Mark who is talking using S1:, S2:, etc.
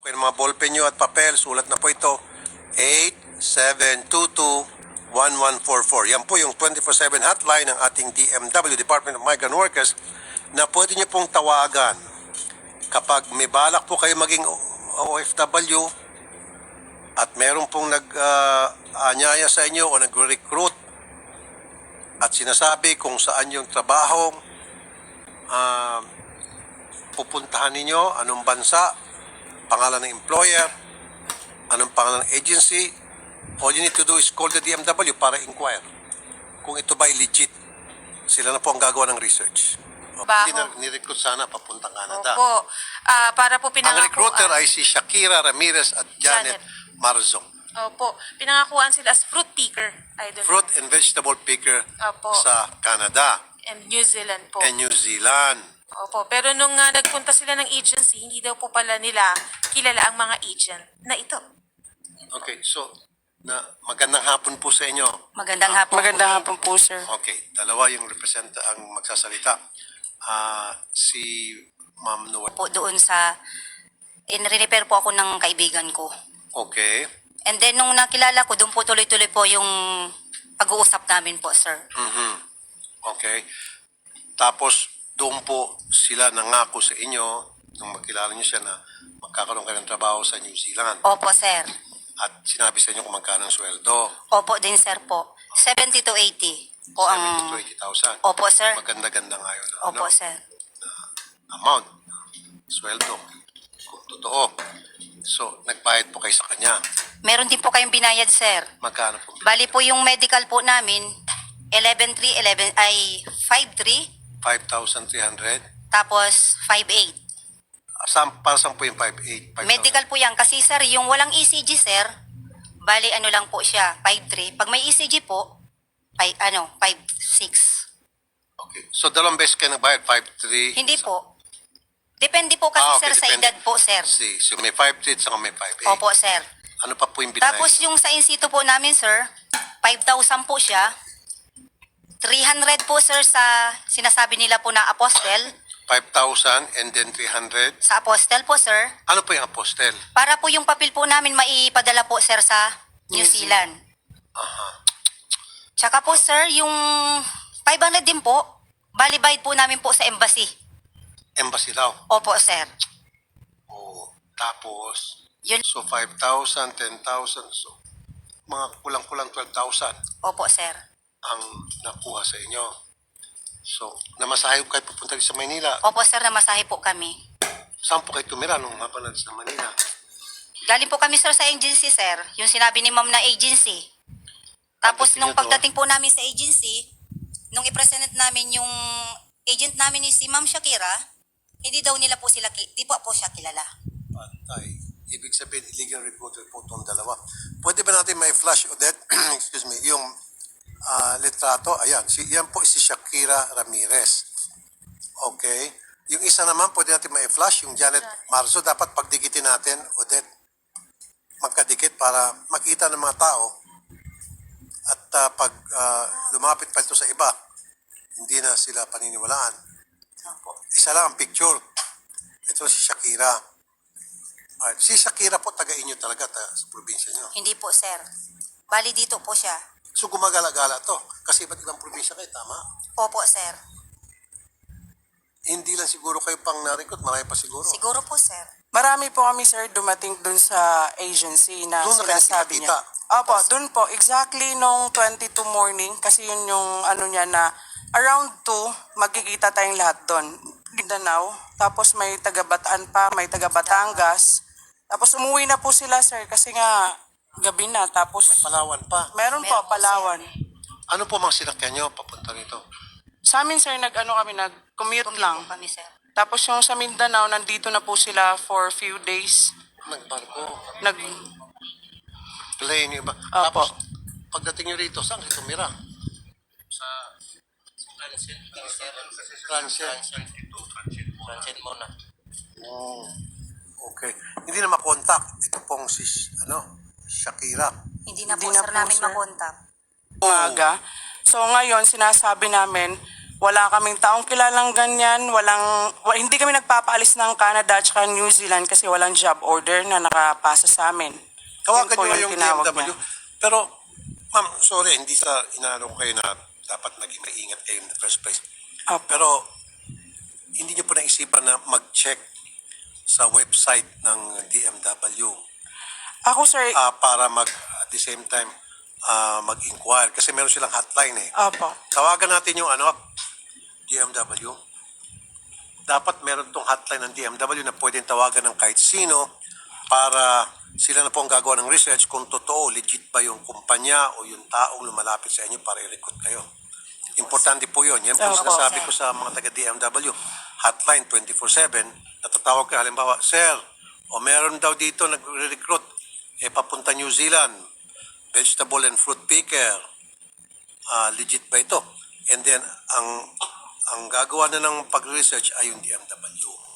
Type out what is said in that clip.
S1: po yung mga ballpen nyo at papel, sulat na po ito, 8722-1144. Yan po yung 24/7 hotline ng ating DMW, Department of Migrant Workers, na pwede nyo pong tawagan kapag may balak po kayo maging OFW at meron pong nag-anyaya sa inyo o nag-recruit at sinasabi kung saan yung trabahong pupuntahan ninyo, anong bansa, pangalan ng employer, anong pangalan ng agency. All you need to do is call the DMW para inquire kung ito ba legit. Sila na po ang gagawa ng research. Hindi na ni-recruit sana papuntang Canada.
S2: Opo. Para po
S1: Ang
S2: pinangakuan.
S1: recruiter ay si Shakira Ramirez at Janet Marzong.
S2: Opo. Pinangakuan sila as fruit picker. Idol.
S1: Fruit and vegetable picker
S2: Opo.
S1: sa Canada
S2: And New Zealand po.
S1: and New Zealand.
S2: Opo. Pero nung nagpunta sila ng agency, hindi daw po pala nila kilala ang mga agent na ito.
S1: Okay, so magandang hapon po sa inyo.
S3: Magandang hapon.
S4: Magandang hapon po, sir.
S1: Okay, dalawa yung ang magsasalita. Si Ma'am Noel.
S3: Po doon sa in-repair po ako ng kaibigan ko.
S1: Okay.
S3: And then nung nakilala ko, doon po tuloy-tuloy po yung pag-uusap namin po, sir.
S1: Okay. Tapos doon po sila nangako sa inyo nung makilala niyo siya na magkakaroon kayo ng trabaho sa New Zealand.
S3: Opo, sir.
S1: At sinabi sa inyo kung magkano ang sweldo.
S3: Opo din, sir po. 70 to 80 po ang...
S1: 70 to 80,000.
S3: Opo, sir.
S1: Maganda-ganda nga yun.
S3: Opo, sir.
S1: Amount. Sweldo. Kung totoo. So, nagbayad po kayo sa kanya.
S3: Meron din po kayong binayad, sir.
S1: Magkano po?
S3: Bali po yung medical po namin, 5,300,
S1: 5,300.
S3: tapos 5,800.
S1: Para saan po yung 5,800? 5,000?
S3: Medical po yan. Kasi, sir, yung walang ECG, sir, bali ano lang po siya, 5,300. Pag may ECG po, 5,600.
S1: Okay. So, dalawang beses kayo nagbayad? 5,300?
S3: Hindi po. Depende po kasi,
S1: okay,
S3: sir, sa
S1: depende.
S3: edad po, sir.
S1: So, may 5,300 saka may 5,800.
S3: Opo, sir.
S1: Ano pa po yung binayad?
S3: Tapos yung sa insito po namin, sir, 5,000 po siya. 300 po, sir, sa sinasabi nila po na apostel.
S1: 5,000 and then 300.
S3: Sa apostel po, sir.
S1: Ano po yung apostel?
S3: Para po yung papel po namin maipadala po, sir, sa New Zealand. Tsaka po, sir, yung 500 din po, bali-bayad po namin po sa embassy.
S1: Embassy daw.
S3: Opo, sir.
S1: Oh, tapos,
S3: Yun.
S1: so 5,000, 10,000, so mga kulang-kulang 12,000
S3: Opo, sir.
S1: ang nakuha sa inyo. So, namasahe ko kayo pupunta rin sa Manila.
S3: Opo, sir, namasahe po kami.
S1: Saan po kayo tumira nung mapanan sa Manila?
S3: Galing po kami, sir, sa agency, sir. Yung sinabi ni ma'am na agency. Tapos
S1: Pagdating
S3: nung
S1: nyo doon?
S3: pagdating po namin sa agency, nung i-present namin yung agent namin ni si Ma'am Shakira, hindi daw nila po sila, di po siya kilala.
S1: Patay. Ibig sabihin, illegal recruiter po itong dalawa. Pwede ba natin may flash, Odette? Excuse me, yung litrato, ayan, yan po si Shakira Ramirez. Okay. Yung isa naman, pwede natin may flash, yung Janet Marzo, dapat pagdikitin natin, Odette, magkadikit para makita ng mga tao at pag lumapit pa ito sa iba, hindi na sila paniniwalaan. Isa lang ang picture. Ito si Shakira. Si Shakira po, taga-inyo talaga sa probinsya nyo.
S3: Hindi po, sir. Bali dito po siya.
S1: So gumagala-gala to. Kasi iba't ibang probinsya kayo, tama?
S3: Opo, sir.
S1: Hindi lang siguro kayo pang narikot, marami pa siguro.
S3: Siguro po, sir.
S4: Marami po kami, sir, dumating dun sa agency na
S1: Doon na kayo
S4: sinasabi niya.
S1: nakita?
S4: Opo, dun po. Exactly nung 22 morning, kasi yun yung ano niya na around 2, magkikita tayong lahat dun. Mindanao, tapos may taga-Bataan pa, may taga-Batangas. Tapos umuwi na po sila, sir, kasi nga gabi na. Tapos
S1: Palawan pa.
S4: meron po,
S3: Meron po,
S4: Palawan.
S1: Ano po mga sinakyan nyo papunta rito?
S4: Sa amin, sir, nag-commute lang.
S3: Po kami, sir.
S4: Tapos yung sa Mindanao, nandito na po sila for few days.
S1: Nagbarko.
S4: Nag
S1: Plane yung iba.
S4: Opo.
S1: Tapos, pagdating nyo rito, saan kayo tumira? Sa Transit muna. Oh, okay. Hindi na makontak. Ito pong si, Shakira.
S3: Hindi na
S4: Hindi
S3: po,
S4: na
S3: sir,
S4: po,
S3: namin
S4: sir.
S3: makontak.
S4: umaga. So ngayon, sinasabi namin, Wala kaming taong kilalang ganyan, hindi kami nagpapaalis ng Canada at saka New Zealand kasi walang job order na nakapasa sa amin.
S1: Tawagan
S4: Yun po
S1: nyo yung
S4: tinawag
S1: DMW.
S4: niya.
S1: Pero, ma'am, sorry, hindi sa inaano kayo na dapat maging maingat kayo in the first place.
S4: Opo.
S1: Pero, hindi nyo po naisipan na mag-check sa website ng DMW
S4: Ako sir,
S1: para at the same time, mag-inquire. Kasi meron silang hotline eh.
S4: opo.
S1: Tawagan natin yung DMW. Dapat meron tong hotline ng DMW na pwedeng tawagan ng kahit sino para sila na po ang gagawa ng research kung totoo, legit ba yung kumpanya o yung taong lumalapit sa inyo para i-recruit kayo. Importante po yun. Yan po
S4: Opo.
S1: sinasabi ko sa mga taga-DMW. Hotline 24/7. Natatawag ka halimbawa, Sir, o meron daw dito nagre-recruit. Papunta New Zealand. Vegetable and fruit picker. Legit ba ito? And then, ang gagawa na ng pag-research ay yung DMW.